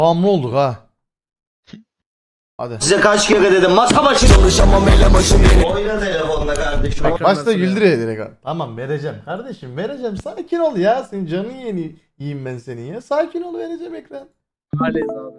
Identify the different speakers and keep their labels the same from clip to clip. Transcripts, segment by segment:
Speaker 1: Bağımlı olduk ha. Hadi.
Speaker 2: Size kaç kere dedim masa başı çalışamam ele başım yeri. Oyna telefonla kardeşim.
Speaker 1: Başta güldürüyor direkt. Tamam vereceğim kardeşim vereceğim. Sakin ol ya. Senin canın yiyeyim ben senin ya. Sakin ol vereceğim ekran.
Speaker 3: Halleyiz abi.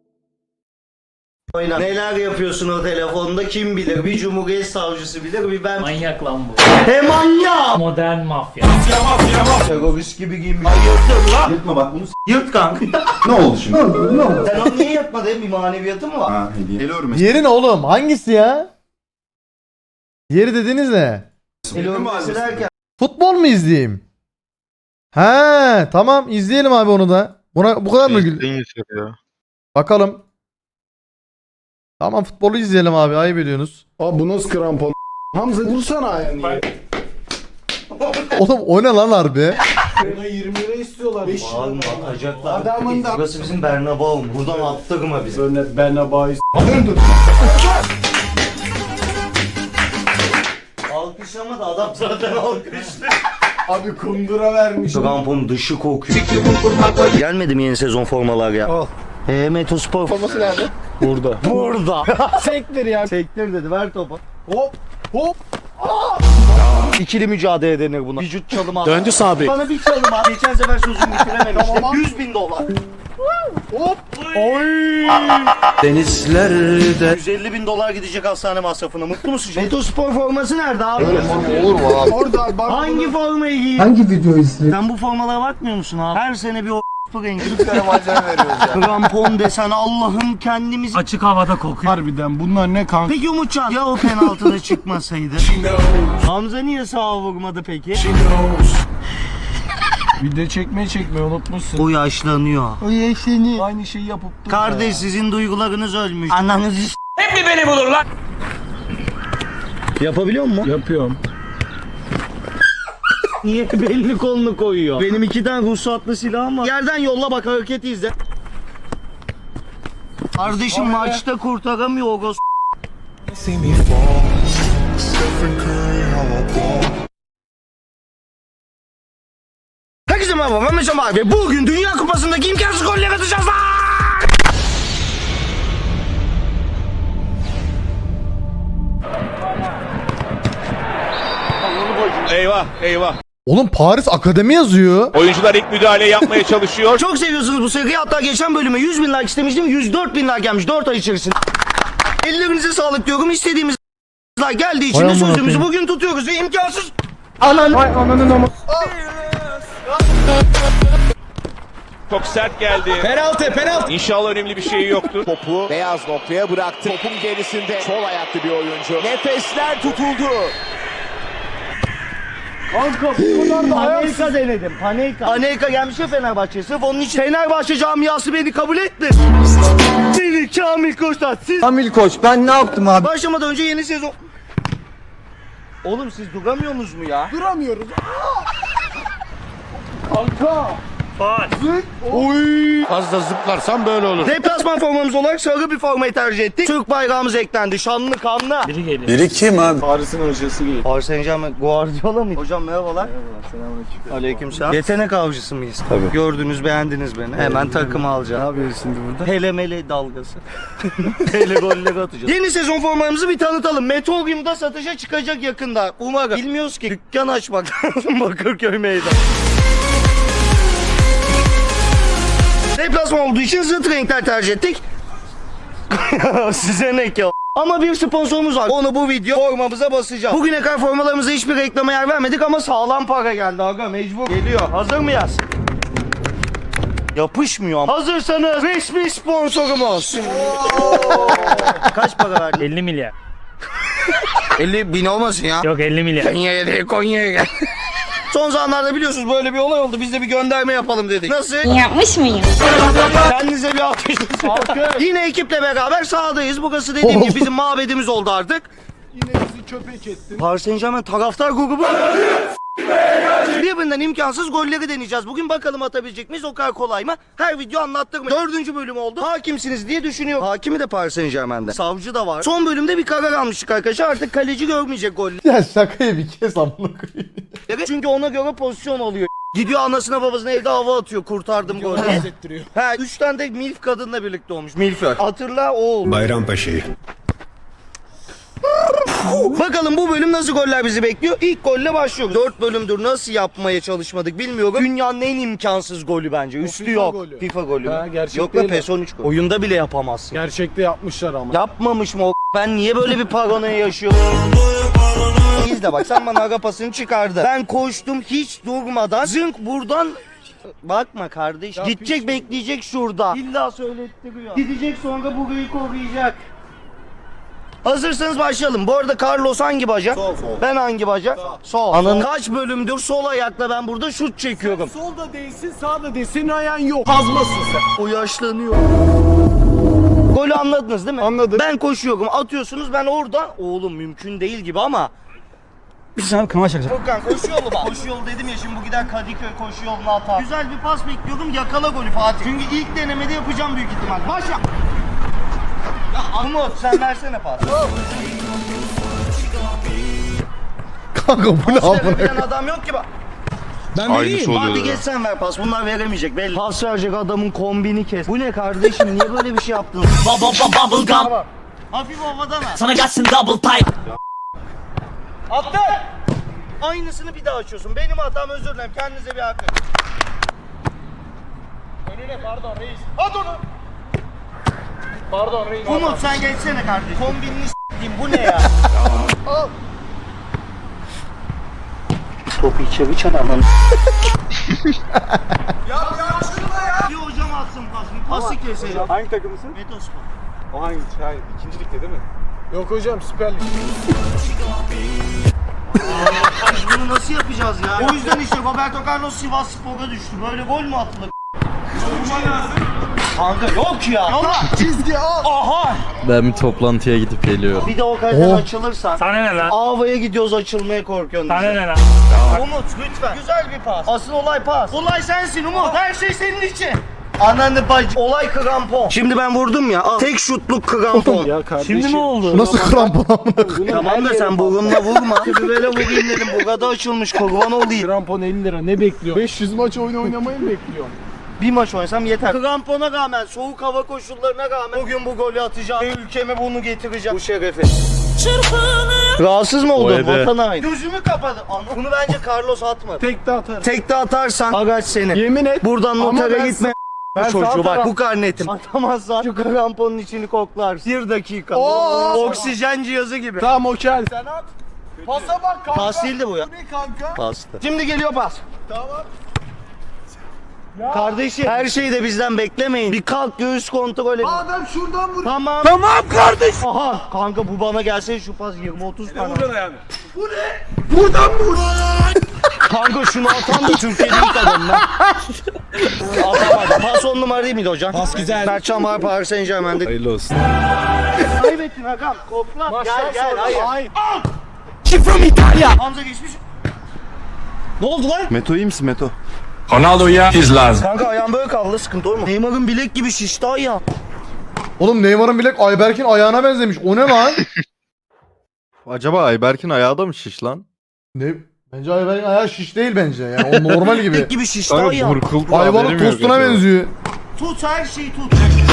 Speaker 2: Oyna. Neler yapıyorsun o telefonda kim bilir? Bir cumhuriyet savcısı bilir, bir ben.
Speaker 3: Manyak lan bu.
Speaker 2: He manyak!
Speaker 3: Modern mafya.
Speaker 2: Terörist gibi giyinmiş. Hayırdır lan?
Speaker 4: Yırtma bak bunu
Speaker 2: Yırt kanka.
Speaker 4: ne oldu şimdi?
Speaker 2: Sen onu niye yapmadın? Bir maneviyatı mı var?
Speaker 4: Ha hediye. El örmesi.
Speaker 1: Diğeri ne oğlum? Hangisi ya? Diğeri dediğiniz ne?
Speaker 2: El örmesi derken.
Speaker 1: Futbol mu izleyeyim? He tamam izleyelim abi onu da. Buna bu kadar mı gül? Bakalım. Tamam futbolu izleyelim abi ayıp ediyorsunuz.
Speaker 5: Abi bu nasıl krampon? Hamza vursana ayağını.
Speaker 1: Oğlum o ne lan harbi?
Speaker 5: Buna 20 lira istiyorlar.
Speaker 2: Bağırma atacaklar.
Speaker 5: Adamın da-
Speaker 2: Burası bizim Bernabeu. Buradan attırma bizi.
Speaker 5: Böyle Bernabéu.
Speaker 2: Alkışlama da adam zaten alkışlıyor.
Speaker 5: Abi kundura vermiş.
Speaker 2: Krampon dışı kokuyor. Gelmedi mi yeni sezon formalar ya?
Speaker 5: Al.
Speaker 2: Metospor forması nerede?
Speaker 5: Burada.
Speaker 2: Burada.
Speaker 5: Sektir ya.
Speaker 2: Sektir dedi ver topu.
Speaker 5: Hop hop.
Speaker 2: İkili mücadele denir buna. Vücut çalımı.
Speaker 5: Döndü Sabri.
Speaker 2: Bana bir çalım at. Geçen sefer sözümü bitirememiştim.
Speaker 5: Tamam.
Speaker 2: 100.000 dolar.
Speaker 5: Hop.
Speaker 2: Denizlerde 150.000 dolar gidecek hastane masrafına. Mutlu musun? Metospor forması nerede abi?
Speaker 5: Olur mu abi? Orada bak.
Speaker 2: Hangi formayı giyiyor?
Speaker 5: Hangi video izledin?
Speaker 2: Sen bu formalara bakmıyor musun abi? Her sene bir o rengi.
Speaker 5: Malzeme veriyoruz ya.
Speaker 2: Krampon desen Allah'ım kendimizi...
Speaker 3: Açık havada kokuyor.
Speaker 5: Harbiden bunlar ne kanka?
Speaker 2: Peki Umutcan ya o penaltıda çıkmasaydı? Hamza niye sağa vurmadı peki?
Speaker 5: Video çekmeyi unutmuşsun.
Speaker 2: O yaşlanıyor.
Speaker 5: O yeşeni. Aynı şeyi yapıp dur.
Speaker 2: Kardeş sizin duygularınız ölmüş. Ananızı
Speaker 3: Hep mi beni bulur lan?
Speaker 2: yapabiliyor mu?
Speaker 5: Yapıyorum.
Speaker 2: Niye belli kolunu koyuyor? Benim 2 tane ruhsatlı silahım var. Yerden yolla bak hareketi izle. Kardeşim maçta kurtaramıyor o gos. Herkese merhaba ben Mesut abi ve bugün Dünya Kupası'ndaki imkansız goller atacağız lan!
Speaker 6: Eyvah eyvah.
Speaker 1: Oğlum Paris Akademi yazıyor.
Speaker 6: Oyuncular ilk müdahale yapmaya çalışıyor.
Speaker 2: Çok seviyorsunuz bu seriyi. Hatta geçen bölüme 100.000 like istemiştim. 104.000 like gelmiş 4 ay içerisinde. Ellerinize sağlık diyorum. İstediğimiz like geldiği için
Speaker 1: Vay
Speaker 2: de
Speaker 1: amına
Speaker 2: sözümüzü
Speaker 1: koyayım.
Speaker 2: bugün tutuyoruz ve imkansız. Ananın ama.
Speaker 6: Çok sert geldi.
Speaker 5: Penaltı.
Speaker 6: İnşallah önemli bir şey yoktur.
Speaker 7: Topu beyaz noktaya bıraktı. Topun gerisinde sol ayaklı bir oyuncu. Nefesler tutuldu.
Speaker 5: Kanka bu kadar da ayaksız.
Speaker 2: Panelka denedim. Panelka gelmiş ya Fenerbahçe'ye. Sırf onun için Fenerbahçe camiası beni kabul etti. Seni Kamil Koç'tan siz...
Speaker 5: Kamil Koç ben ne yaptım abi?
Speaker 2: Başlamadan önce yeni sezon... Oğlum siz duramıyorsunuz mu ya?
Speaker 5: Duramıyoruz. Kanka.
Speaker 7: Fazla zıplarsan böyle olur.
Speaker 2: Deplasman formamız olarak sarı bir formayı tercih ettik. Türk bayrağımız eklendi. Şanlı kanlı.
Speaker 3: Biri geliyor.
Speaker 4: Biri kim abi?
Speaker 5: Paris'in hocası gibi.
Speaker 2: Paris Saint-Germain Guardiola mı? Hocam merhabalar.
Speaker 5: Selamünaleyküm.
Speaker 2: Aleykümselam. Yetenek avcısı mıyız? Tabii. Gördünüz, beğendiniz beni. Hemen takımı
Speaker 5: Ne
Speaker 2: alacağım.
Speaker 5: yapıyoruz şimdi burada?
Speaker 2: Hele mele dalgası. Hele golleri atacağız. Yeni sezon formalarımızı bir tanıtalım. Meteorium'da satışa çıkacak yakında. Umarım. Bilmiyoruz ki. Dükkan açmak lazım Bakırköy meydan. Deplasman olduğu için zıt renkler tercih ettik. Size ne ki o? Ama bir sponsorumuz var. Onu bu video formamıza basacağım. Bugüne kadar formalarımıza hiçbir reklama yer vermedik ama sağlam para geldi aga mecbur. Geliyor. Hazır mıyız? Yapışmıyor ama. Hazırsanız resmi sponsorumuz. Kaç para verdin?
Speaker 3: 50 milyar.
Speaker 2: 50 bin olmasın ya.
Speaker 3: Yok 50 milyar.
Speaker 2: Konya'ya değil Konya'ya gel. Son zamanlarda biliyorsunuz böyle bir olay oldu. Biz de bir gönderme yapalım dedik. Nasıl?
Speaker 8: Yapmış mıyım?
Speaker 2: Kendinize bir alkış. Yine ekiple beraber sahadayız. Burası dediğim gibi bizim mabedimiz oldu artık.
Speaker 5: Yine bizi köpek ettin.
Speaker 2: Paris Saint-Germain taraftar grubu. Birbirinden imkansız golleri deneyeceğiz. Bugün bakalım atabilecek miyiz? O kadar kolay mı? Her video anlattırma. 4. bölüm oldu. Hakimsiniz diye düşünüyorum. Hakimi de Paris Saint-Germain'de. Savcı da var. Son bölümde bir karar almıştık arkadaşlar. Artık kaleci görmeyecek golleri.
Speaker 1: Ya şakayı bir kez amına koyayım.
Speaker 2: Çünkü ona göre pozisyon oluyor. Gidiyor anasına babasına evde hava atıyor. Kurtardım golü. He 3 tane de milf kadınla birlikte olmuş. Milför. Hatırla o.
Speaker 4: Bayrampaşa'yı.
Speaker 2: Bakalım bu bölüm nasıl goller bizi bekliyor? İlk golle başlıyoruz. 4 bölümdür nasıl yapmaya çalışmadık bilmiyorum. Dünyanın en imkansız golü bence. Üstü
Speaker 5: FIFA
Speaker 2: yok.
Speaker 5: golü.
Speaker 2: FIFA golü.
Speaker 5: Ha,
Speaker 2: mü?
Speaker 5: gerçek
Speaker 2: Yok be
Speaker 5: değil
Speaker 2: PES 13 golü. Oyunda bile yapamazsın.
Speaker 5: Gerçekte yapmışlar ama.
Speaker 2: Yapmamış mı o? Ben niye böyle bir paranoya yaşıyorum? İzle bak sen bana aga pasını çıkardı. Ben koştum hiç durmadan. Zınk buradan bakma kardeş. Gidecek bekleyecek şurada. İlla söylettiriyor. Gidecek sonra burayı koruyacak. Hazırsanız başlayalım. Bu arada Carlos hangi bacak?
Speaker 5: Sol.
Speaker 2: Ben hangi bacak? Sol. Anın kaç bölümdür sol ayakla ben burada şut çekiyorum.
Speaker 5: Solda değilsin, sağda değilsin, senin ayağın yok. Kazmasın sen.
Speaker 2: O yaşlanıyor. Golü anladınız değil mi?
Speaker 5: Anladım.
Speaker 2: Ben koşuyorum, atıyorsunuz ben oradan. Oğlum mümkün değil gibi ama. Furkan koşu yolu bak. Koşu yolu dedim ya şimdi bu gider Kadıköy koşu yoluna atar. Güzel bir pas bekliyorum yakala golü Fatih. Çünkü ilk denemede yapacağım büyük ihtimal. Başla. Ya Umut sen versene pas.
Speaker 1: Kanka bu ne
Speaker 2: Pas
Speaker 1: amına?
Speaker 2: verebilen adam yok ki bak.
Speaker 5: Ben
Speaker 6: Aynısı oluyor.
Speaker 2: Hadi geç sen ver pas. Bunlar veremeyecek belli. Pas verecek adamın kombini kes. Bu ne kardeşim niye böyle bir şey yaptın?
Speaker 3: Bubble gum.
Speaker 2: Hafif havadan al.
Speaker 3: Sana gelsin double pipe.
Speaker 2: Attı. Aynısını bir daha açıyorsun. Benim hatam özür dilerim. Kendinize bir hak verin.
Speaker 5: Önüne pardon reis. At onu. Pardon reis.
Speaker 2: Umut sen geçsene kardeşim. Kombinini s**eyim bu ne ya? Al. Topu içeri çadamın.
Speaker 5: Ya şurada ya.
Speaker 2: Bir hocam atsın pasını. Pası keselim.
Speaker 5: Hangi takımısın?
Speaker 2: Metospor.
Speaker 5: O hangi? Hayır, ikinci ligde değil mi? Yok hocam Süper Lig.
Speaker 2: Biz bunu nasıl yapacağız ya? O yüzden işte Roberto Carlos Sivas Spor'a düştü. Böyle gol mü atılır? Kanka yok ya. Yola.
Speaker 5: Çizgi al.
Speaker 2: Aha.
Speaker 8: Ben bir toplantıya gidip geliyorum.
Speaker 2: Bir de o kaleden
Speaker 1: Oh.
Speaker 2: açılırsan.
Speaker 3: Sana ne lan?
Speaker 2: Ava'ya gidiyoruz açılmaya korkuyorsun.
Speaker 3: Sana ne lan?
Speaker 2: Umut lütfen. Güzel bir pas. Asıl olay pas. Olay sensin Umut. Her şey senin için. Ananı bacı. Olay krampon. Şimdi ben vurdum ya. Al. Tek şutluk krampon.
Speaker 5: Ya kardeşim.
Speaker 3: Şimdi ne oldu?
Speaker 1: Nasıl krampon amına koyayım?
Speaker 2: Tamam da sen burunla vurma. Böyle vurayım dedim. Bu kadar açılmış kurban olayım.
Speaker 5: Krampon 50 lira ne bekliyor? 500 maç oyun oynamayı mı bekliyor?
Speaker 2: Bir maç oynasam yeter. Krampona rağmen, soğuk hava koşullarına rağmen bugün bu golü atacağım. Ve ülkeme bunu getireceğim. Bu şerefi. Rahatsız mı oldun? Vatan haini. Gözümü kapadı. Bunu bence Carlos atmadı.
Speaker 5: Tekte atarım.
Speaker 2: Tekte atarsan araç senin.
Speaker 5: Yemin et.
Speaker 2: Buradan
Speaker 5: Ama
Speaker 2: notere
Speaker 5: ben
Speaker 2: gitme.
Speaker 5: Ben sağ
Speaker 2: Çocuğu bak
Speaker 5: taraf-
Speaker 2: bu karnetim. Atamazsan şu kramponun içini koklarsın. 1 dakika.
Speaker 5: Oo.
Speaker 2: Oksijen cihazı gibi.
Speaker 5: Tamam okey. Sen at. Pasa bak kanka.
Speaker 2: Pas değildi bu ya.
Speaker 5: Bu ne kanka?
Speaker 2: Pastı. Şimdi geliyor pas.
Speaker 5: Tamam.
Speaker 2: Kardeşim her şeyi de bizden beklemeyin. Bir kalk göğüs kontrol edin.
Speaker 5: Adam şuradan vur.
Speaker 2: Tamam.
Speaker 5: Tamam kardeş.
Speaker 2: Aha kanka bu bana gelse şu pas 20-30 tane.
Speaker 5: Buradan ayağını. Bu ne? Buradan vur.
Speaker 2: Kanka şunu atan da Türkiye'de ilk adam ben. Atamadım. Pas 10 numara değil miydi hocam?
Speaker 5: Pas güzel.
Speaker 2: Mertcan var Paris Saint Germain'de.
Speaker 8: Hayırlı olsun.
Speaker 2: Kaybettin Hakan. Kokla.
Speaker 5: Maçtan
Speaker 2: Gel
Speaker 5: sonra.
Speaker 2: hayır.
Speaker 5: Hayır.
Speaker 2: Hamza geçmiş. Ne oldu lan?
Speaker 4: Meto iyi misin Meto?
Speaker 6: Ronaldo'ya iz lazım.
Speaker 2: Kanka ayağım böyle kaldı sıkıntı olur mu? Neymar'ın bilek gibi şişti ayağı.
Speaker 1: Oğlum Neymar'ın bilek Ayberk'in ayağına benzemiş. O ne lan?
Speaker 8: Acaba Ayberk'in ayağı da mı şiş lan?
Speaker 1: Ne? Bence Ayberk'in ayağı şiş değil bence. Yani o normal gibi.
Speaker 2: Bilek gibi şişti ayağı.
Speaker 8: burkuldu.
Speaker 1: Ayvalık tostuna benziyor.
Speaker 2: Tut her şeyi tut.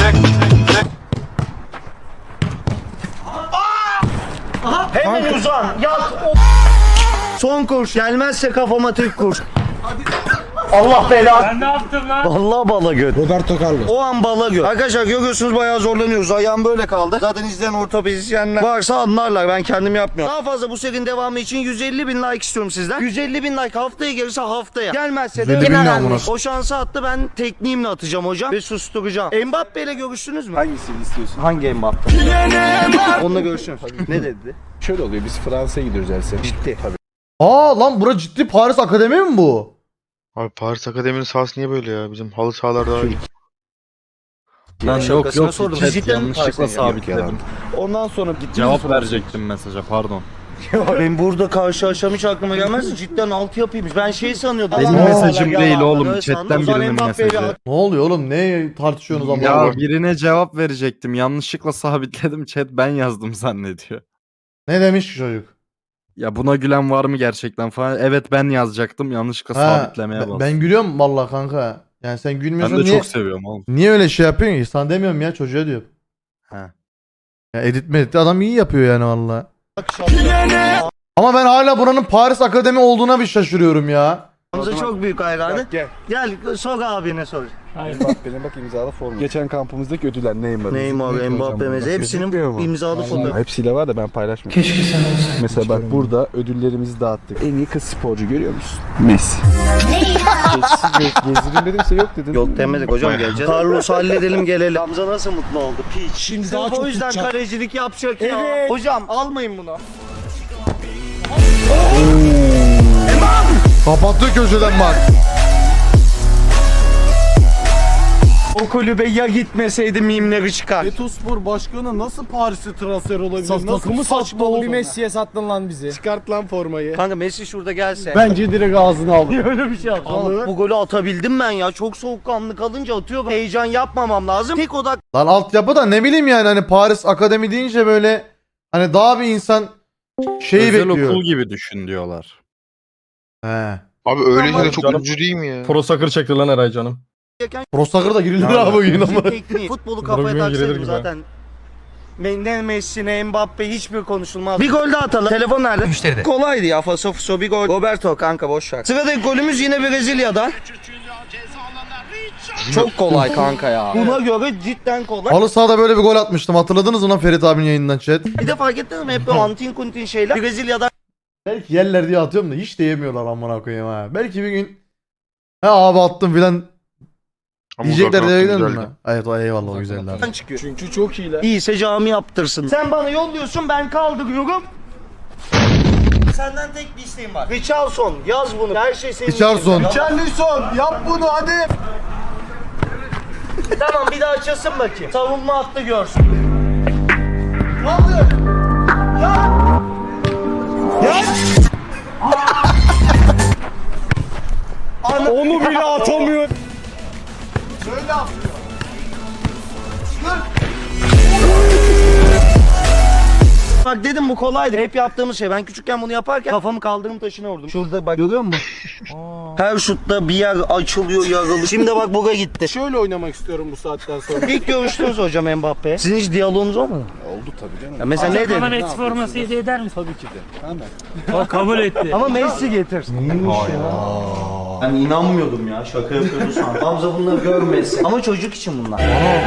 Speaker 2: Aha. Hemen uzan. Yat. Son kurş. Gelmezse kafama tek kurş. Allah belanı.
Speaker 3: Ben ne yaptım lan?
Speaker 2: Vallahi bala göt.
Speaker 5: Roberto Carlos.
Speaker 2: O an bala göt. Arkadaşlar görüyorsunuz bayağı zorlanıyoruz. Ayağım böyle kaldı. Zaten izleyen ortopedisyenler varsa anlarlar. Ben kendim yapmıyorum. Daha fazla bu serinin devamı için 150 bin like istiyorum sizden. 150 bin like haftaya gelirse haftaya. Gelmezse de
Speaker 1: 150 bin ne amına?
Speaker 2: o şansı attı ben tekniğimle atacağım hocam. Ve susturacağım. Mbappe ile görüştünüz mü?
Speaker 5: Hangisini istiyorsun?
Speaker 2: Hangi Mbappe? Onunla görüşürüz. Ne dedi?
Speaker 5: Şöyle oluyor biz Fransa'ya gidiyoruz her sene.
Speaker 2: Ciddi.
Speaker 1: Aa lan bura ciddi Paris Akademi mi bu?
Speaker 9: Abi Paris Akademi'nin sahası niye böyle ya? Bizim halı sahalar daha iyi.
Speaker 8: Lan yok
Speaker 2: Şakasına
Speaker 8: yok.
Speaker 2: sordum.
Speaker 8: Chat
Speaker 2: Cidden
Speaker 8: yanlışlıkla
Speaker 2: Paris'e
Speaker 8: sabitledim.
Speaker 5: Ondan sonra gittiniz
Speaker 8: Cevap verecektim mesaja pardon.
Speaker 2: Ben burada karşılaşmam hiç aklıma gelmez. Cidden altı yapıymış. Ben şey sanıyordum.
Speaker 8: Benim
Speaker 2: Allah
Speaker 8: mesajım
Speaker 2: Allah,
Speaker 8: değil
Speaker 2: yalan.
Speaker 8: oğlum,
Speaker 2: Öyle
Speaker 8: chatten
Speaker 2: sandım. O zaman
Speaker 8: birinin
Speaker 2: Mbappe'yle
Speaker 8: mesajı.
Speaker 1: Ne oluyor oğlum? Ne tartışıyorsunuz ama?
Speaker 8: Ya birine cevap verecektim. Yanlışlıkla sabitledim. Chat ben yazdım zannediyor.
Speaker 1: Ne demiş ki çocuk?
Speaker 8: Ya buna gülen var mı gerçekten falan. Evet ben yazacaktım. Yanlışlıkla
Speaker 1: Ha,
Speaker 8: sabitlemeye bastım.
Speaker 1: ben gülüyorum vallahi kanka. Yani sen
Speaker 8: Ben
Speaker 1: gülmüyorsun
Speaker 8: de
Speaker 1: niye?
Speaker 8: çok seviyorum oğlum.
Speaker 1: Niye öyle şey yapıyorsun ki? Sana demiyorum ya, çocuğa diyorum.
Speaker 8: Ha.
Speaker 1: Ya edit medit adam iyi yapıyor yani vallahi. Ama ben hala buranın Paris Akademi olduğuna bir şaşırıyorum ya.
Speaker 2: Hamza çok büyük hayranı.
Speaker 5: Gel.
Speaker 2: Gel sor abine sor.
Speaker 5: Mbappe'nin bak imzalı formu. Geçen kampımızdaki ödüller Neymar.
Speaker 2: Neymar, Mbappe mesela hepsinin imzalı fotoğrafı.
Speaker 5: Hepsiyle var da ben paylaşmıyorum. Keşke sen olsaydın. Mesela bak burada ödüllerimizi dağıttık. En iyi kız sporcu görüyor musun? Messi. Gezdireyim dedimse yok dedin.
Speaker 2: Yok demedik hocam, geleceğiz. Carlos halledelim gelelim. Hamza nasıl mutlu oldu? Piç. Şimdi daha çok o yüzden kalecilik yapacak ya. Hocam almayın bunu.
Speaker 1: Kapattı köşeden bak.
Speaker 2: O kulübe ya gitmeseydi mimleri çıkar.
Speaker 5: Betospor başkanı nasıl Paris'e transfer olabilir? Nasıl saçma oldu? Bir Messi'ye sattın lan bizi. Çıkart lan formayı.
Speaker 2: Kanka Messi şurada gelse.
Speaker 5: Bence direkt ağzına al.
Speaker 2: Öyle bir şey yaptım. Bu golü atabildim ben ya. Çok soğukkanlı kalınca atıyorum. Heyecan yapmamam lazım. Tek odak
Speaker 1: Lan altyapı da ne bileyim yani hani Paris Akademi deyince böyle hani daha bir insan şeyi
Speaker 8: Özel
Speaker 1: bekliyor.
Speaker 8: okul gibi düşün diyorlar.
Speaker 1: He.
Speaker 9: Abi öyleyse de çok
Speaker 5: Canım.
Speaker 9: üzücü değil mi ya?
Speaker 5: Pro Soccer çekti lan Eray canım.
Speaker 1: Prosakır da girilir abi bugün ama.
Speaker 2: tekniği. Futbolu kafaya
Speaker 5: Bugün girilir
Speaker 2: taksaydım
Speaker 5: gibi.
Speaker 2: zaten. Ne Messi ne Mbappe hiçbir konuşulmaz. Bir gol daha atalım. Telefon nerede? Müşteride. Kolaydı ya. Faso fuso bir gol. Roberto kanka boş ver. Sıradaki golümüz yine Brezilya'dan. Çok kolay kanka ya. Buna göre cidden kolay.
Speaker 1: Halı sahada böyle bir gol atmıştım. Hatırladınız mı lan Ferit abinin yayından chat?
Speaker 2: Bir de fark ettiniz mi? Hep böyle antin kuntin şeyler. Brezilya'dan
Speaker 1: Belki yerler diye atıyorum da hiç de yemiyorlar amına koyayım ha. Belki bir gün ha abi attım filan
Speaker 9: Ama
Speaker 1: diyecekler
Speaker 9: uzaktan
Speaker 1: diye
Speaker 9: attın,
Speaker 1: gidelim
Speaker 9: güzeldi.
Speaker 1: mi? Evet o eyvallah o güzeller.
Speaker 2: çıkıyor.
Speaker 5: Çünkü çok iyi lan.
Speaker 2: İyiyse cami yaptırsın. Sen bana yolluyorsun, ben kaldırıyorum. Senden tek bir isteğim var. Richarlison yaz bunu. Her şey senin
Speaker 1: Richarlison.
Speaker 2: için.
Speaker 5: Charlison yap bunu hadi.
Speaker 2: Tamam bir daha açasın bakayım. Savunma hattı görsün. Kaldır. Ya. Ya.
Speaker 5: Onu bile atamıyor.
Speaker 2: Bak dedim bu kolaydı. Hep yaptığımız şey. Ben küçükken bunu yaparken kafamı kaldırım taşına vurdum. Şurada bak görüyor musun? Her şutta bir yer açılıyor, yarılıyor. Şimdi bak buga gitti.
Speaker 5: Şöyle oynamak istiyorum bu saatten sonra.
Speaker 2: İlk görüştünüz hocam Mbappe. Sizin hiç diyaloğunuz olmadı mı?
Speaker 5: Oldu tabii canım.
Speaker 2: Ya mesela ne
Speaker 3: Bana
Speaker 2: dedin?
Speaker 3: Messi forması hediye eder misin?
Speaker 5: Tabii ki de. Hemen.
Speaker 3: O kabul etti.
Speaker 2: Ama Messi getir. Neymiş ya? Ben inanmıyordum ya. Şaka yapıyordu sandım. Hamza bunları görmesin. Ama çocuk için bunlar.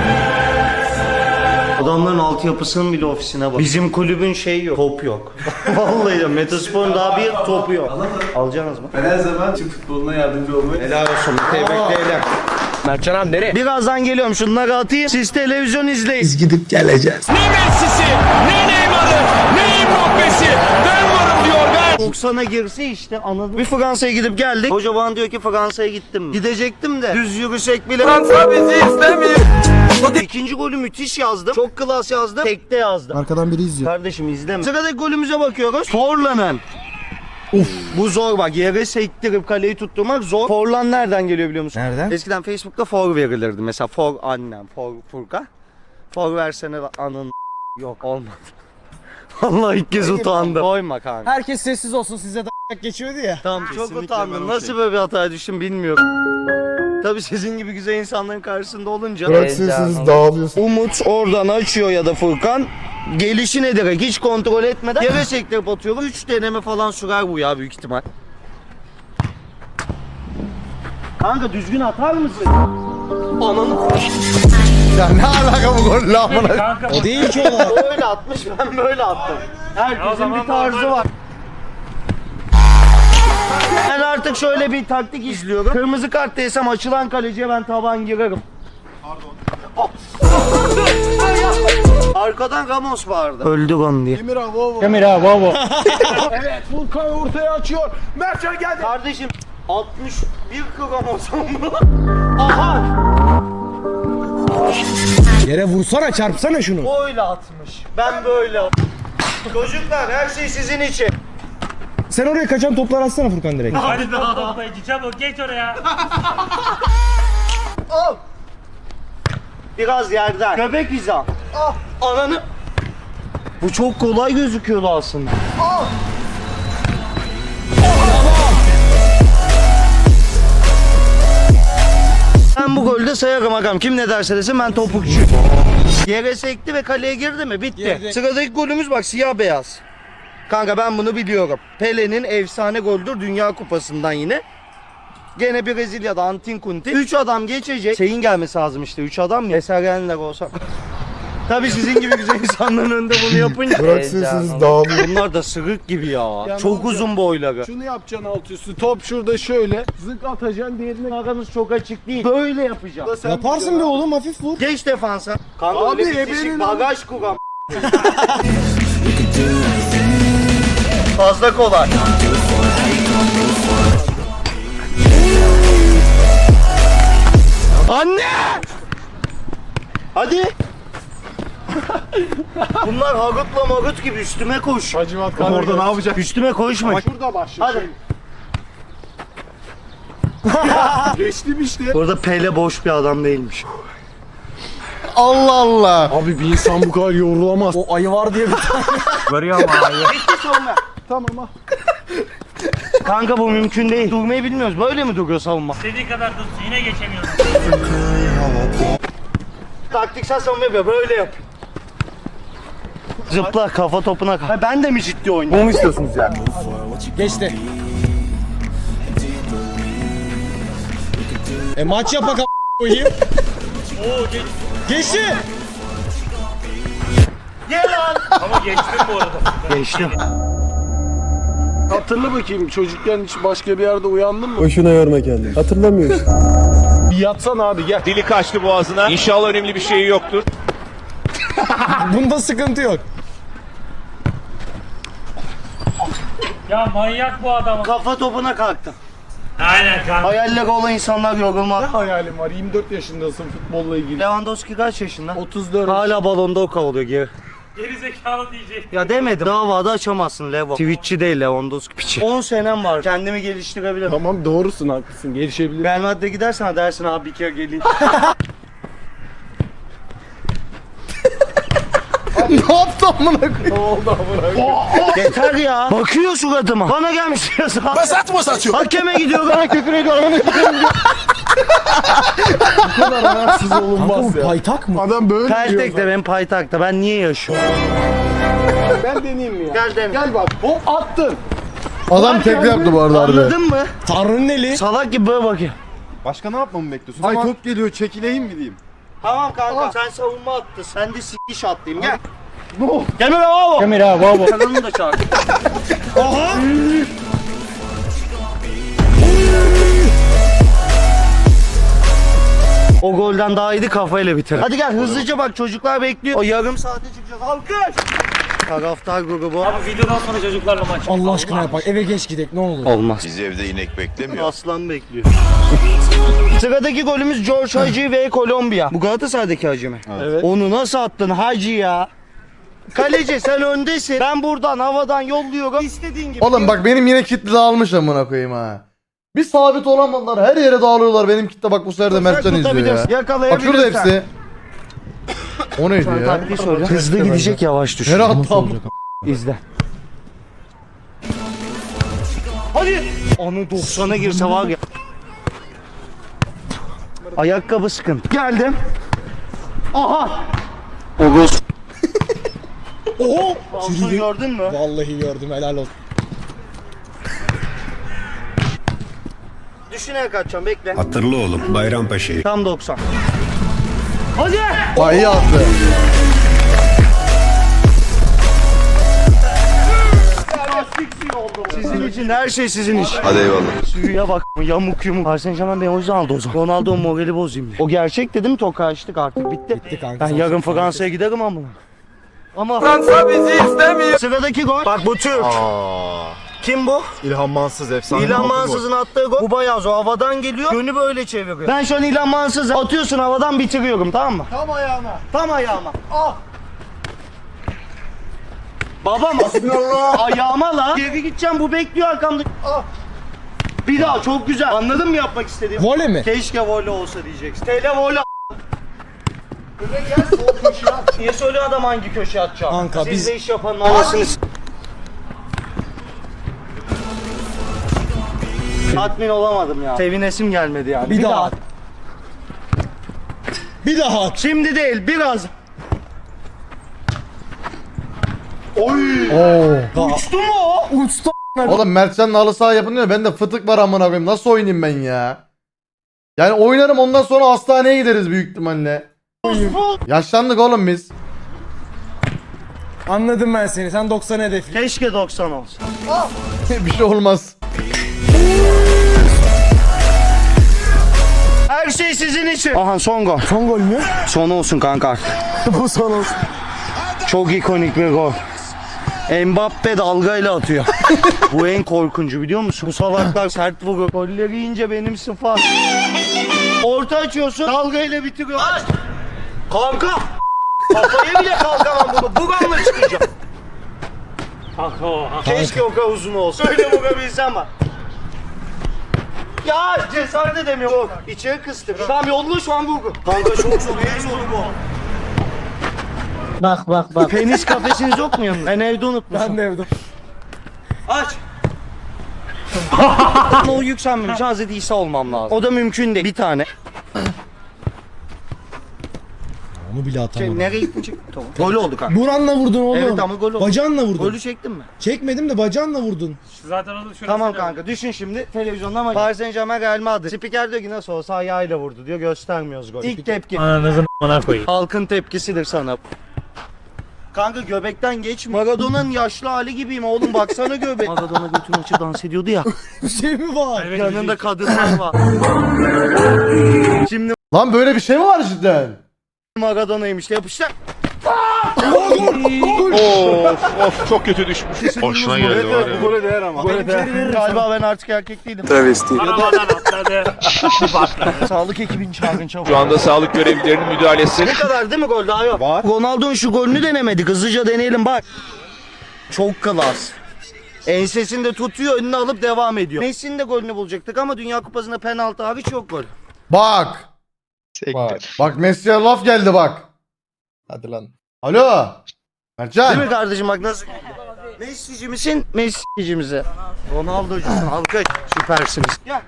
Speaker 2: Adamların altyapısının bile ofisine bak. Bizim kulübün şeyi yok. Top yok. Vallahi ya Metaspor'un daha bir topu yok. Alacaksınız mı?
Speaker 5: Ben her zaman Türk futboluna yardımcı olmayı.
Speaker 2: Helal olsun. Tebrikler.
Speaker 5: Mertcan abi nereye?
Speaker 2: Birazdan geliyorum. Şunları atayım. Siz televizyon izleyin.
Speaker 4: Biz gidip geleceğiz.
Speaker 6: Ne Messi'si, ne Neymar'ı, ne Mbappe'si. Ben varım diyor ben.
Speaker 2: 90'a girse işte anladım. Bir Fransa'ya gidip geldik. Hoca bana diyor ki Fransa'ya gittim mi? Gidecektim de düz yürüsek bile.
Speaker 6: Fransa bizi istemiyor.
Speaker 2: İkinci golü müthiş yazdım. Çok klas yazdım. Tekte yazdım.
Speaker 5: Arkadan biri izliyor.
Speaker 2: Kardeşim izleme. Sıradaki golümüze bakıyoruz. Forlan'ın. Bu zor bak. Yere sektirip kaleyi tutturmak zor. Forlan nereden geliyor biliyor musun?
Speaker 5: Nereden?
Speaker 2: Eskiden Facebook'ta for verilirdi. Mesela for annem, for Furka. For versene anın yok olmadı. Allah ilk kez utandım. Koyma kanka.
Speaker 5: Herkes sessiz olsun size da geçiyordu ya.
Speaker 2: Tamam çok utandım. Nasıl böyle bir hataya düştüm bilmiyorum. Tabii sizin gibi güzel insanların karşısında olunca.
Speaker 5: dağılıyorsunuz.
Speaker 2: Umut oradan açıyor ya da Furkan. Gelişi ne direkt hiç kontrol etmeden yere sektirip atıyorum. 3 deneme falan sürer bu ya büyük ihtimal. Kanka düzgün atar mısın? Ananı
Speaker 1: Ya ne alaka bu golle amına?
Speaker 3: Kanka
Speaker 5: O değil ki o.
Speaker 2: o öyle atmış ben böyle attım. Herkesin bir tarzı var. Ben artık şöyle bir taktik izliyorum. Kırmızı kart değsem açılan kaleciye ben taban girerim. Pardon. Arkadan Ramos vardı. Öldü onu diye.
Speaker 5: Kamera baba. Evet Furkan ortaya açıyor. Mertcan geldi.
Speaker 2: Kardeşim 61 kromozom mu? Aha!
Speaker 5: Yere vursana çarpsana şunu.
Speaker 2: Böyle atmış. Ben böyle. Çocuklar her şey sizin için.
Speaker 5: Sen oraya kaçan toplar atsana Furkan direkt.
Speaker 3: hadi top toplayıcı çabuk geç oraya.
Speaker 2: Al. Biraz yerden. Köpek hizam. Ananı. Bu çok kolay gözüküyordu aslında. Ben bu golü de sayarım agam. Kim ne derse desin ben topukçu. Yere sekti ve kaleye girdi mi? Bitti.
Speaker 5: Girdi.
Speaker 2: Sıradaki golümüz bak siyah beyaz. Kanka ben bunu biliyorum. Pele'nin efsane goldür Dünya Kupası'ndan yine. Gene Brezilya'da Antin Kunti. 3 adam geçecek. Şeyin gelmesi lazım işte. 3 adam mı? Esergenler olsa. Tabii sizin gibi güzel insanların önünde bunu yapınca.
Speaker 5: Bıraksın siz dağılın.
Speaker 2: Bunlar da sırık gibi ya. Çok uzun boyları.
Speaker 5: Şunu yapacaksın alt üstü. Top şurada şöyle. Zık atacaksın diğerine.
Speaker 2: Aranız çok açık değil. Böyle yapacağım.
Speaker 5: Yaparsın be oğlum, hafif vur.
Speaker 2: Geç defansa. Kanka
Speaker 5: Abi,
Speaker 2: öyle bitişik
Speaker 5: ebenin
Speaker 2: bagaj kuram. Fazla kolay. Anne! Hadi. Bunlar Harut'la Marut gibi üstüme koş.
Speaker 5: Hacivat kanka.
Speaker 4: Orada ne yapacak?
Speaker 2: Üstüme koşma.
Speaker 5: Bak şurada başla.
Speaker 2: Hadi.
Speaker 5: Geçtim işte.
Speaker 2: Burada Pele boş bir adam değilmiş.
Speaker 1: Allah Allah.
Speaker 5: Abi bir insan bu kadar yorulamaz. O ayı var diye bir tane.
Speaker 2: Bitti savunma.
Speaker 5: Tamam ha.
Speaker 2: Kanka bu mümkün değil. Durmayı bilmiyoruz. Böyle mi duruyor savunma?
Speaker 3: İstediği kadar dursun yine geçemiyorum.
Speaker 2: Taktiksel savunma yapıyor. Böyle yap. Zıpla kafa topuna kal. Ha, ben de mi ciddi oynuyorum?
Speaker 5: Bunu istiyorsunuz yani. Geçti. Maç yapak koyayım. Geçti.
Speaker 2: Gel lan.
Speaker 3: Ama geçtim bu arada.
Speaker 2: Geçtim.
Speaker 5: Hatırla bakayım, çocukken hiç başka bir yerde uyandın mı?
Speaker 10: Boşuna yorma kendini. Hatırlamıyorsun.
Speaker 5: Bir yatsan abi gel.
Speaker 6: Dili kaçtı boğazına. İnşallah önemli bir şey yoktur.
Speaker 5: Bunda sıkıntı yok.
Speaker 3: Ya manyak bu adam.
Speaker 2: Kafa topuna kalktım.
Speaker 3: Aynen kanka.
Speaker 2: Hayalleri olan insanlar yorulmaz.
Speaker 5: Ne hayalim var? 24 yaşındasın futbolla ilgili.
Speaker 2: Lewandowski kaç yaşında?
Speaker 5: 34.
Speaker 2: Hala balonda o kalıyor geri.
Speaker 3: Geri zekalı diyecek.
Speaker 2: Ya demedim. Davada açamazsın Levo. Twitch'çi değil Lewandowski piçi. 10 senem var. Kendimi geliştirebilirim.
Speaker 5: Tamam doğrusun, haklısın, gelişebilir.
Speaker 2: Real Madrid'e gidersen dersin abi bir kere geleyim.
Speaker 1: Ne yaptı amına koyayım?
Speaker 5: Ne oldu amına?
Speaker 2: Yeter ya. Bakıyor suratıma. Bana gelmiş yazı.
Speaker 6: Basat mı satıyor?
Speaker 2: Hakeme gidiyor. Bana küfür ediyor.
Speaker 5: Bu kadar rahatsız olunmaz ya.
Speaker 10: Paytak mı?
Speaker 5: Adam böyle diyor.
Speaker 2: Peltek'te benim paytakta. Ben niye yaşıyorum?
Speaker 5: Ben deneyeyim mi ya?
Speaker 2: Gel dene.
Speaker 5: Gel bak. Hop attın.
Speaker 1: Adam tekrar yaptı bu arada harbi.
Speaker 2: Anladın mı?
Speaker 5: Tanrı'nın eli.
Speaker 2: Salak gibi böyle bakıyor.
Speaker 4: Başka ne yapmamı bekliyorsun? Ay top geliyor, çekileyim mi diyeyim?
Speaker 2: Tamam kanka sen savunma attın. Sen de s**iş attın. Gel. Gelme be baba.
Speaker 3: Emir abi baba.
Speaker 2: Kanalını da çağır. Aha. O golden daha iyiydi, kafayla bitir. Hadi gel hızlıca bak, çocuklar bekliyor. O yarım saate çıkacağız. Alkış. Taraftar grubu.
Speaker 3: Abi videodan sonra çocuklarla maç.
Speaker 10: Allah aşkına yapak. Eve geç gidek ne olur.
Speaker 2: Olmaz.
Speaker 7: Bizi evde inek beklemiyor.
Speaker 2: Aslan bekliyor. Sıradaki golümüz George Hagi ve Kolombiya. Bu Galatasaray'daki Hagi mi?
Speaker 5: Evet.
Speaker 2: Onu nasıl attın Hagi ya? Kaleci sen öndesin. Ben buradan havadan yolluyorum. İstediğin gibi.
Speaker 1: Oğlum bak benim yine kitle dağılmış amına koyayım ha. Bir sabit olamadılar, her yere dağılıyorlar. Benim kitle bak bu sefer de Mertcan izliyor ya. Bak
Speaker 2: Yakalayabilirsen.
Speaker 1: şurada hepsi. O neydi ya?
Speaker 2: Taktiği söyle. Hızlı gidecek, yavaş düş.
Speaker 1: Nereye attı amına?
Speaker 2: İzle. Hadi. Onu 90'a girse var ya. Ayakkabı sıkıntı. Geldim. Aha. Oguz. Oho. Şunu gördün mü?
Speaker 5: Vallahi gördüm, helal olsun.
Speaker 2: Düşünerek kaçacağım, bekle.
Speaker 10: Hatırlı oğlum Bayrampaşa'yı.
Speaker 2: Tam 90. Hadi.
Speaker 1: Bak iyi attı.
Speaker 2: Sizin için her şey sizin iş.
Speaker 7: Hadi eyvallah.
Speaker 2: Suya bak, yamuk yumuk. Paris Saint-Germain beni o yüzden aldı o zaman. Ronaldo'nun morali bozayım diye. O gerçek dedim, tokaçtık artık, bitti.
Speaker 10: Bitti kanka.
Speaker 2: Ben yarın Fransa'ya giderim ama. Ama Fransa bizi istemiyor. Sıradaki gol. Bak bu Türk. Kim bu?
Speaker 4: İlhan Mansız efsane.
Speaker 2: İlhan Mansız'ın attığı gol. Bu bayağı zor. Havadan geliyor. Yönü böyle çeviriyor. Ben şu an İlhan Mansız'ı atıyorsun havadan, bitiriyorum, tamam mı?
Speaker 5: Tam ayağına.
Speaker 2: Tam ayağıma. Ah. Babam ayağıma la. Geri gideceğim, bu bekliyor arkamda. Ah. Bir daha, çok güzel. Anladın mı yapmak istediğimi?
Speaker 5: Vole mi?
Speaker 2: Keşke voley olsa diyeceksin. Tele voley. Öyle gel, sol köşeye at. Niye söylüyor adam hangi köşeye atacağım?
Speaker 5: Kanka,
Speaker 2: Siz
Speaker 5: biz-
Speaker 2: de iş yapanın anasını Tatmin olamadım ya. Sevinesim gelmedi yani.
Speaker 5: Bir daha at. Bir daha at.
Speaker 2: Şimdi değil, biraz.
Speaker 1: Oo.
Speaker 2: Uçtu mu o?
Speaker 5: Uçtu.
Speaker 1: Oğlum Mertcan'la halı saha yapılıyor. Bende fıtık var amına koyayım. Nasıl oynayayım ben ya? Yani oynarım ondan sonra hastaneye gideriz büyük ihtimalle. Yaşlandık oğlum biz.
Speaker 5: Anladım ben seni. Sen 90 hedefli.
Speaker 2: Keşke 90 olsa.
Speaker 1: Bir şey olmaz.
Speaker 2: Her şey sizin için. Aha son gol.
Speaker 5: Son gol mü?
Speaker 2: Son olsun kanka.
Speaker 5: Bu son olsun.
Speaker 2: Çok ikonik bir gol. Mbappe dalgayla atıyor. Bu en korkuncu biliyor musun? Bu salaklar sert vuruyor. Golleri yiyince benim sıfat. Orta açıyorsun, dalgayla bitiriyor. Aç! Kanka! Kafaya bile kalkamam bunu. Buramla çıkacağım.
Speaker 3: Kanka o.
Speaker 2: Keşke o kadar uzun olsa. Öyle vurabilsem bak. Ya cesaret edemiyorum. Yok, içeri kıstım. Tamam yolla şu an vurgu. Kanka çok zor, en zoru bu. Bak. Penis kafesiniz yok mu yanında? Ben evde unutmuşum.
Speaker 5: Ben de evde.
Speaker 2: Aç. O yükselmemiş. Hazreti İsa olmam lazım. O da mümkün değil. Bir tane.
Speaker 5: Onu bile atamadım.
Speaker 2: Nereye gittin çık? Tamam. Gol oldu kanka.
Speaker 5: Buranla vurdun oğlum.
Speaker 2: Evet ama gol oldu.
Speaker 5: Bacağınla vurdun.
Speaker 2: Golü çektin mi?
Speaker 5: Çekmedim de bacağınla vurdun.
Speaker 3: Zaten onu şurası.
Speaker 2: Tamam kanka düşün şimdi televizyonda ama Paris Saint-Germain Real Madrid. Spiker diyor ki nasıl olsa ayağıyla vurdu diyor göstermiyoruz gol. İlk tepki.
Speaker 3: Ananızın a**ına koyayım.
Speaker 2: Halkın tepkisidir sana. Kanka göbekten geç. Maradona'nın yaşlı hali gibiyim oğlum baksana göbek. Maradona götünü açıp dans ediyordu ya.
Speaker 5: Bir şey mi var?
Speaker 3: Evet,
Speaker 2: Yanında kadınlar var. Şimdi
Speaker 1: Lan böyle bir şey mi var cidden?
Speaker 2: Maradona'ymış yapıştır.
Speaker 7: Of çok kötü düşmüş.
Speaker 9: Hoşuna geldi var ya.
Speaker 4: Gole değer ama.
Speaker 2: Galiba ben artık erkek değilim.
Speaker 3: Arabadan atladı.
Speaker 2: Sağlık ekibini çağırın çabuk.
Speaker 7: Şu anda sağlık görevlilerinin müdahalesi.
Speaker 2: Bu kadar değil mi gol daha yok?
Speaker 4: Var.
Speaker 2: Ronaldo'nun şu golünü denemedik. Hızlıca deneyelim bak. Çok klas. Ensesini de tutuyor önüne alıp devam ediyor. Messi'nin de golünü bulacaktık ama Dünya Kupası'nda penaltı hariç yok gol.
Speaker 1: Bak. Bak Messi'ye laf geldi bak.
Speaker 8: Hadi lan.
Speaker 1: Alo.
Speaker 2: Değil
Speaker 1: Mertcan.
Speaker 2: mi kardeşim bak nasıl? Messi'ci misin? Messi'ci misin? Ronaldo'cusun alkış. Süpersiniz. Gel.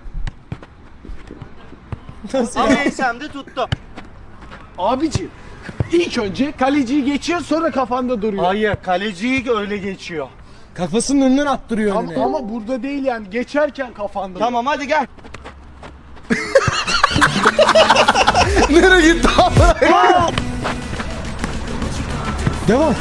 Speaker 2: Ama ensemde tuttu.
Speaker 5: Abiciğim. İlk önce kaleciyi geçiyor sonra kafanda duruyor.
Speaker 2: Hayır kaleciyi öyle geçiyor.
Speaker 5: Kafasının önünden attırıyor önüne.
Speaker 4: Ama burada değil yani geçerken kafanda.
Speaker 2: Tamam hadi gel.
Speaker 1: Nereye gitti abi?
Speaker 5: Devam.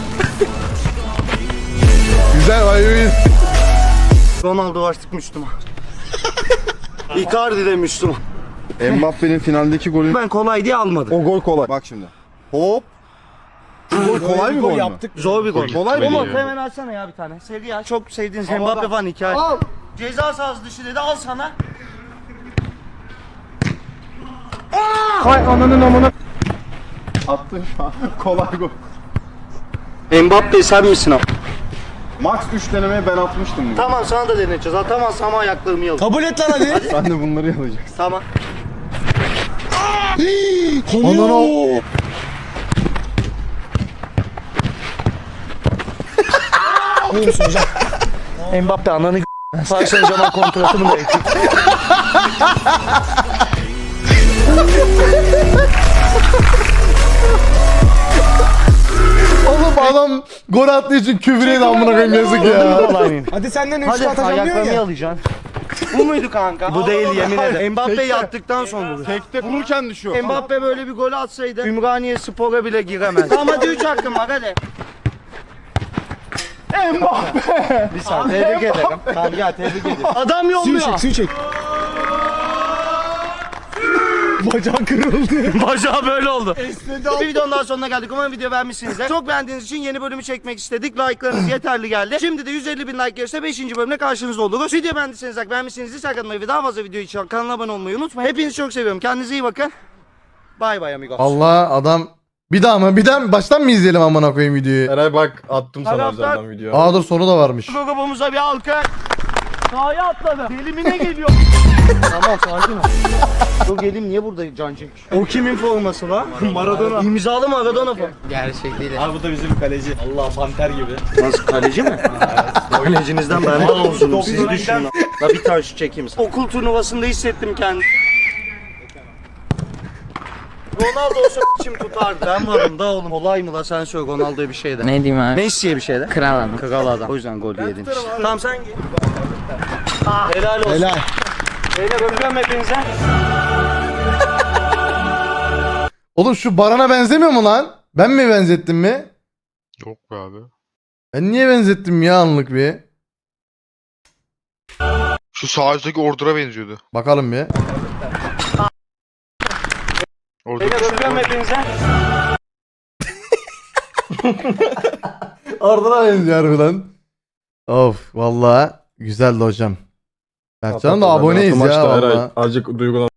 Speaker 1: Güzel vay.
Speaker 2: Ronaldo artık Müslüman. Icardi de Müslüman.
Speaker 4: Mbappe'nin finaldeki golü.
Speaker 2: Ben kolay diye almadım.
Speaker 4: O gol kolay. Bak şimdi. Hop. Bu gol kolay bir gol mü?
Speaker 5: yaptık.
Speaker 2: Zor bir gol.
Speaker 4: Kolay
Speaker 2: Umut
Speaker 4: mı?
Speaker 2: hemen alsana ya bir tane. Seri ya. Çok sevdiğiniz Mbappe falan hikaye. Al. Ceza sahası dışı dedi al sana.
Speaker 5: Hay ananın amına.
Speaker 4: Attın şu an. Kolay gol.
Speaker 2: Mbappe sen misin abi?
Speaker 4: Max 3 denemeye ben atmıştım. bunu.
Speaker 2: Tamam sana da deneyeceğiz. Atamazsam ama ayaklarımı yalayım.
Speaker 5: Kabul et lan hadi.
Speaker 4: Sen de bunları yalayacaksın.
Speaker 2: Tamam.
Speaker 5: Konuyor. Alır mısın hocam?
Speaker 2: Mbappe ananı Paris Saint-Germain kontratımı da ekledim.
Speaker 1: Oğlum adam gol attığı için küfür ediyor amına koyayım yazık ya.
Speaker 5: Hadi senden 3
Speaker 2: Hadi
Speaker 5: atacağım diyor
Speaker 2: ayaklarımı
Speaker 5: ya.
Speaker 2: yalayacaksın. Bu muydu kanka? Bu değil yemin ederim. Mbappe yattıktan sonra bu.
Speaker 4: Tekte vururken düşüyor.
Speaker 2: Mbappe böyle bir gol atsaydı Ümraniye Spor'a bile giremez. Tamam hadi 3 hakkım var hadi. Mbappe! Bir saniye tebrik ederim. Tamam gel tebrik ederim. Adam
Speaker 5: Suyu
Speaker 2: yolluyor.
Speaker 5: çek, suyu çek. Bacağın kırıldı.
Speaker 2: Bacağı böyle oldu. Bir videonun daha sonuna geldik. Umarım video beğenmişsinizdir. Çok beğendiğiniz için yeni bölümü çekmek istedik. Like'larınız yeterli geldi. Şimdi de 150 bin like gelirse 5. bölümde karşınızda oluruz. Video beğendiyseniz like, beğenmişseniz like atmayı ve daha fazla video için kanala abone olmayı unutmayın. Hepinizi çok seviyorum. Kendinize iyi bakın. Bay bay amigos.
Speaker 1: Allah adam bir daha mı? Bir daha mı? Baştan mı izleyelim amına koyayım videoyu?
Speaker 8: Eray bak attım sana
Speaker 2: Taraftar-
Speaker 8: özelden video.
Speaker 1: Aa dur sonu da varmış.
Speaker 2: Grubumuza bir alkış. Sahaya atladı. Elimine geliyor. Tamam sakin ol. O gelim niye burada can çekmiş? O kimin forması la? Maradona. İmzalı Maradona falan.
Speaker 5: Allah panter gibi.
Speaker 2: Nasıl kaleci mi? Kalecinizden ben daha uzunum siz düşünün. La bir tane şu çekeyim sana. Okul turnuvasında hissettim kendimi. Ronaldo olsa kim tutardı? Ben varım da oğlum. Kolay mı la sen söyle Ronaldo'ya bir şey de.
Speaker 11: Ne diyeyim abi?
Speaker 2: Messi'ye bir şey de.
Speaker 11: Kral adam.
Speaker 2: Kral adam. O yüzden gol yedin işte. Tamam sen git. Helal olsun.
Speaker 5: Helal.
Speaker 2: Beyler öpüyorum hepinize.
Speaker 1: Oğlum şu Baran'a benzemiyor mu lan? Ben mi benzettim mi?
Speaker 9: Yok be abi.
Speaker 1: Ben niye benzettim ya anlık bir?
Speaker 9: Şu sağ üstteki Ordur'a benziyordu.
Speaker 1: Bakalım bir.
Speaker 2: Beyler öpüyorum hepinize.
Speaker 1: Ardına benziyor harbiden. Of vallahi güzeldi hocam. Berkcan'ın da aboneyiz ya vallahi.
Speaker 10: Azıcık duygulan.